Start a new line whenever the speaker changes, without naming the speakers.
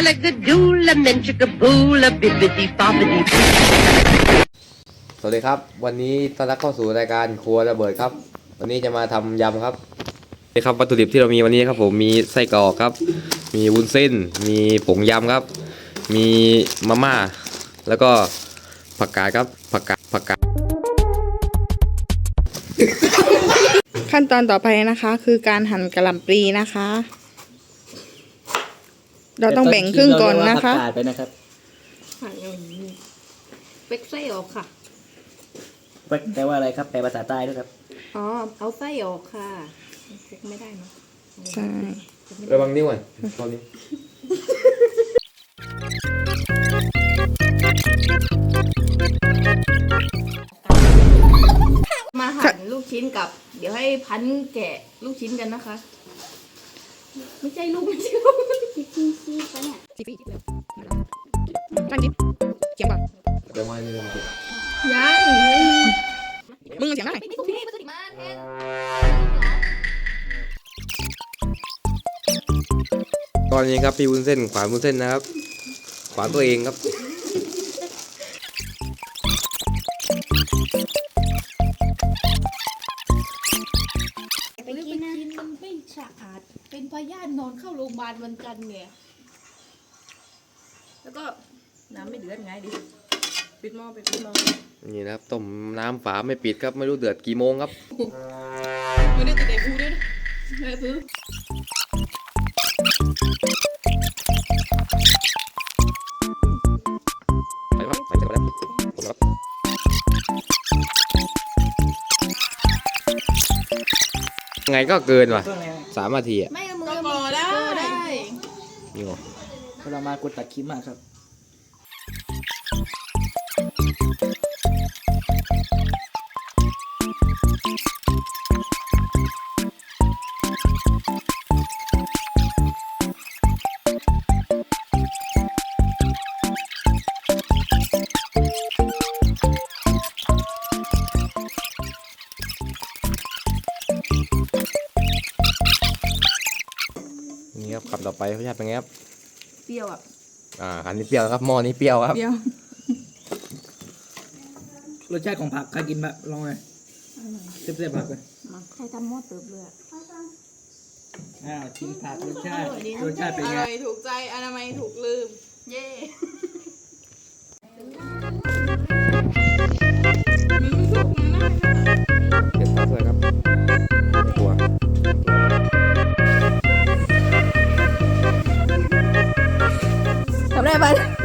Alligadoola, bibbidi bobbidi.
สวัสดีครับวันนี้ต้อนรับเข้าสู่รายการครัวระเบิดครับวันนี้จะมาทำยำครับนี่ครับวัตถุดิบที่เรามีวันนี้ครับผมมีไส้กรอกครับมีวุ้นเส้นมีผงยำครับมีมาม่าแล้วก็ผักกาดครับผักกาด
ขั้นตอนต่อไปนะคะคือการหั่นกะหล่ำปลีนะคะ เราต้องแบ่งครึ่งก่อนนะคะ
ไปนะครับ
หั่นอย่างนี้เป็กไส้ออกค่ะ
แปลว่าอะไรครับแปลภาษาใต้ด้วยครับ
อ๋อ เอาไส้ออกค่ะเป็กไม่ได้เนอะ
ใช่
ระวังนิ้วก่อนตอนนี้
มาหั่นลูกชิ้นกับ เดี๋ยวให้พันแกะลูกชิ้นกันนะคะ ไม่ใช่ลูกไม่ใช่ลูก
ตั้งจิ๊บเสียงก่อน
เดี๋ยวมานี่เลย
ยัง
มึงเสียงได้
ตอนนี้ครับพี่วุ้นเส้นขวานวุ้นเส้นนะครับขวานตัวเองครับ
ไปกินมันไม่สะอาดเป็นพยาธินอนเข้าโรงพยาบาลวันจันทร์เนี่ย แล้วก็น้ำไม่เดือดไงดิปิดหม้อไปปิดหม้อ
นี่นะครับต้มน้ำฝาไม่ปิดครับไม่รู้เดือดกี่โมงครับ
ไม่ได้ติดไอ้พูด้วยนะแม่ซื้อ
ใส่ครับใส่ไปแล้วครับไงก็เกินว่ะ3 นาทีอ่ะ
ไม่เอามือก็ได้
นี่หรอ
เรามากดตัดคลิปมาครับ
นี่ครับคำต่อไปรสชาติเป็นไงครับ
เปรี้ยวอ่ะ
อันนี้เปรี้ยวครับหม้อนี้เปรี้ยวครับ
เปรี้ยว
รสชาติของผักใครกินแบบลองเลยเสียบๆผักเลย
มาใครทำหม้อเติบเลยอะ
ชิมผักรสชาติเป็นไง
ถูกใจอนามัยถูกลืม
เย่
เก็บข้าวสวยครับตัว
ทำได้ปะ